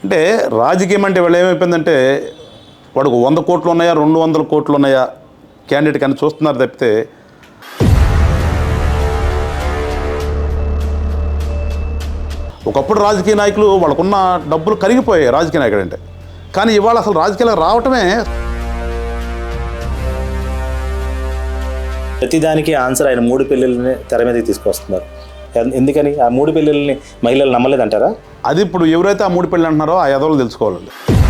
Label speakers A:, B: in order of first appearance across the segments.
A: అంటే రాజకీయం అంటే వాళ్ళు ఏమైపోయిందంటే వాడికి 100 కోట్లు ఉన్నాయా 200 కోట్లు ఉన్నాయా క్యాండిడేట్ కానీ చూస్తున్నారు తప్పితే ఒకప్పుడు రాజకీయ నాయకులు వాళ్ళకున్న డబ్బులు కరిగిపోయాయి రాజకీయ నాయకుడు అంటే. కానీ ఇవాళ అసలు రాజకీయాలకు రావటమే
B: ప్రతిదానికి ఆన్సర్ ఆయన 3 పెళ్ళిళ్ళని తెర మీదకి తీసుకొస్తున్నారు. ఎందుకని ఆ 3 పెళ్ళిళ్ళని మహిళలు నమ్మలేదంటారా?
A: అది ఇప్పుడు ఎవరైతే ఆ 3 పెళ్ళి అంటున్నారో ఆ ఎదవలు తెలుసుకోవాలండి.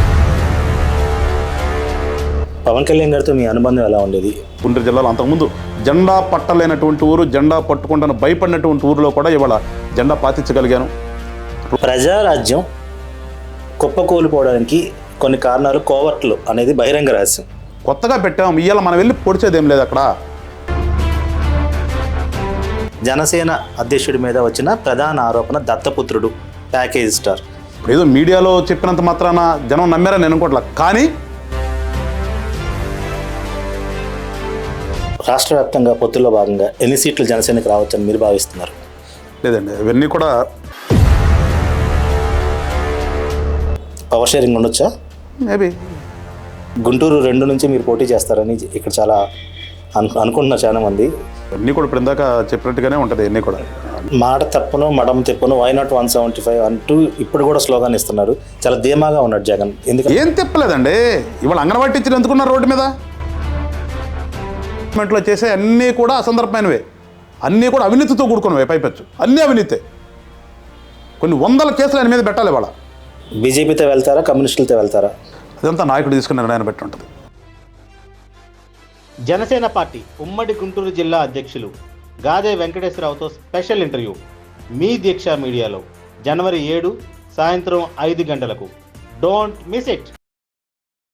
B: పవన్ కళ్యాణ్ గారితో మీ అనుబంధం ఎలా ఉండేది?
A: గుంటూరు జిల్లాలో అంతకుముందు జెండా పట్టలేనటువంటి ఊరు, జెండా పట్టుకుంటాను భయపడినటువంటి ఊరిలో కూడా ఇవాళ జెండా పాతించగలిగాను.
B: ప్రజారాజ్యం కుప్పకూలిపోవడానికి కొన్ని కారణాలు కోవర్ట్లు అనేది బహిరంగ రహస్యం.
A: కొత్తగా పెట్టాము, ఇవాళ మనం వెళ్ళి పొడిచేదేం లేదు అక్కడ.
B: జనసేన అధ్యక్షుడి మీద వచ్చిన ప్రధాన ఆరోపణ దత్తపుత్రుడు, ప్యాకేజ్ స్టార్.
A: ఇప్పుడు ఏదో మీడియాలో చెప్పినంత మాత్రాన జనం నమ్మారని నేను అనుకోవట్లా. కానీ
B: రాష్ట్ర వ్యాప్తంగా పొత్తుల్లో భాగంగా ఎన్ని సీట్లు జనసేనకి రావచ్చని మీరు భావిస్తున్నారు?
A: లేదండి, ఇవన్నీ కూడా
B: పవర్ షేరింగ్ ఉండొచ్చా?
A: మేబీ
B: గుంటూరు 2 నుంచి మీరు పోటీ చేస్తారని ఇక్కడ చాలా అనుకుంటున్నారు చాలా మంది.
A: అన్నీ కూడా ఇప్పుడు ఇందాక చెప్పినట్టుగానే ఉంటుంది. అన్నీ కూడా
B: మాట తప్పును మడం తిప్పును వై నాట్ 175 అంటూ ఇప్పుడు కూడా స్లోగాన్ ఇస్తున్నారు. చాలా ధీమాగా ఉన్నాడు జగన్. ఎందుకంటే
A: ఏం తిప్పలేదండి. ఇవాళ అంగన్వాడీ టీచర్లు ఎందుకున్నారు రోడ్డు మీద? గవర్నమెంట్లో చేసే అన్నీ కూడా అసందర్భమైనవే, అన్నీ కూడా అవినీతితో కూడుకున్నవే. పైపెచ్చు అన్నీ అవినీతే. కొన్ని 100 కేసులు ఆయన మీద పెట్టాలి. ఇవాళ
B: బీజేపీతో వెళ్తారా, కమ్యూనిస్టులతో వెళ్తారా?
A: అదంతా నాయకుడు తీసుకున్న నిర్ణయాన్ని బట్టి ఉంటుంది.
C: జనసేన పార్టీ ఉమ్మడి గుంటూరు జిల్లా అధ్యక్షులు గాదే వెంకటేశ్వరరావుతో స్పెషల్ ఇంటర్వ్యూ మీ దీక్ష మీడియాలో జనవరి 7 సాయంత్రం 5 గంటలకు. Don't miss it.